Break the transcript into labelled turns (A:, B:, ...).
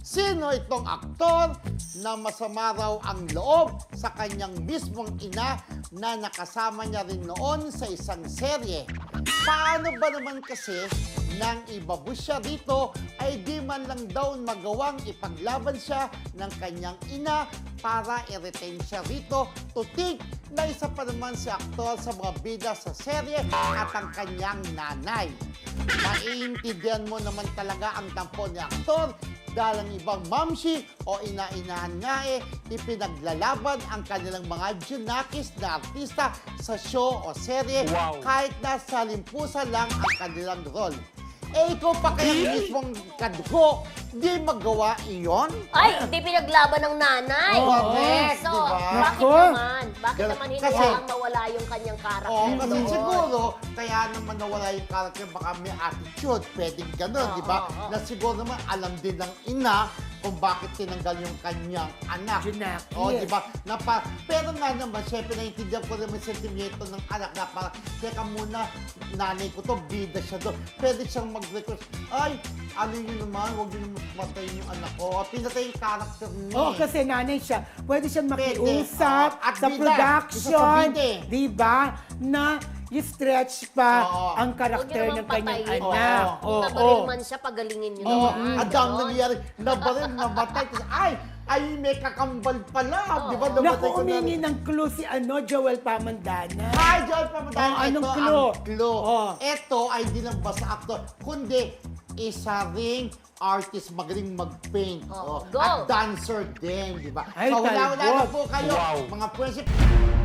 A: Sino itong aktor na masama raw ang loob sa kanyang mismong ina na nakasama niya rin noon sa isang serye? Paano ba naman kasi nang ibabus siya dito ay di man lang daw magawang ipaglaban siya ng kanyang ina para i-retain siya rito, tutig na isa pa naman si aktor sa mga bida sa serye at ang kanyang nanay. Maiintindihan mo naman talaga ang tampo ni aktor dahil ang ibang mamshi o ina-inahan nga ipinaglalaban ang kanilang mga junakis na artista sa show o serye kahit nasa limpusan lang ang kanilang role. Ikaw pa kaya mismong kadugo, di magawa iyon?
B: Ay, hindi pinaglaban ng nanay.
A: Correct,
B: So,
A: diba?
B: bakit
C: Nako.
B: naman? Bakit naman hindi
A: Kasi-
B: ang mawala yung kanyang karakter?
A: Oo, kasi
B: doon?
A: siguro, kaya naman nawala yung character, baka may attitude, pwedeng gano'n, di ba? Na siguro naman alam din ng ina kung bakit tinanggal yung kanyang anak.
C: Junakis.
A: Oo, di ba? Pero nga naman, syempre naiintindihan ko naman yung sentimento ng anak na parang, teka muna, nanay ko to, bida siya doon. Pwede siyang mag-request, ay, ano yun naman, huwag yun naman patayin yung anak ko. Pinatay yung character niya.
C: Oo, kasi nanay siya. Pwede siyang
A: Pwede.
C: makiusap
A: Oo, at
C: sa
A: bida.
C: production.
A: Isa sa bida eh.
C: Di ba? Na i-stretch pa
A: Oo.
C: ang
B: Huwag
C: karakter
B: niyo
C: ng
B: naman
C: kanyang
B: patayin.
C: anak.
B: Kung
C: Oo.
B: nabaril man siya, pagalingin niyo
A: Oo,
B: naman.
A: ang dami
B: Ganon.
A: nangyari. Nabaril, namatay. Tapos, ay, may kakambal pala. Di ba?
C: Naku,
A: Namatay ko na
C: umingi
A: rin.
C: ng clue si Joel Pamandana.
A: Hi, John Pamadana.
C: Oh, anong
A: Ito
C: clue?
A: ang clue.
C: Oh.
A: Ito ay di lang basta actor, kundi isa ring artist, magaling mag-paint.
B: Oh,
A: Oh,
B: go.
A: At dancer din, di ba?
C: Ay,
A: So, wala na
C: talbot.
A: po kayo,
D: Wow.
A: mga friendship.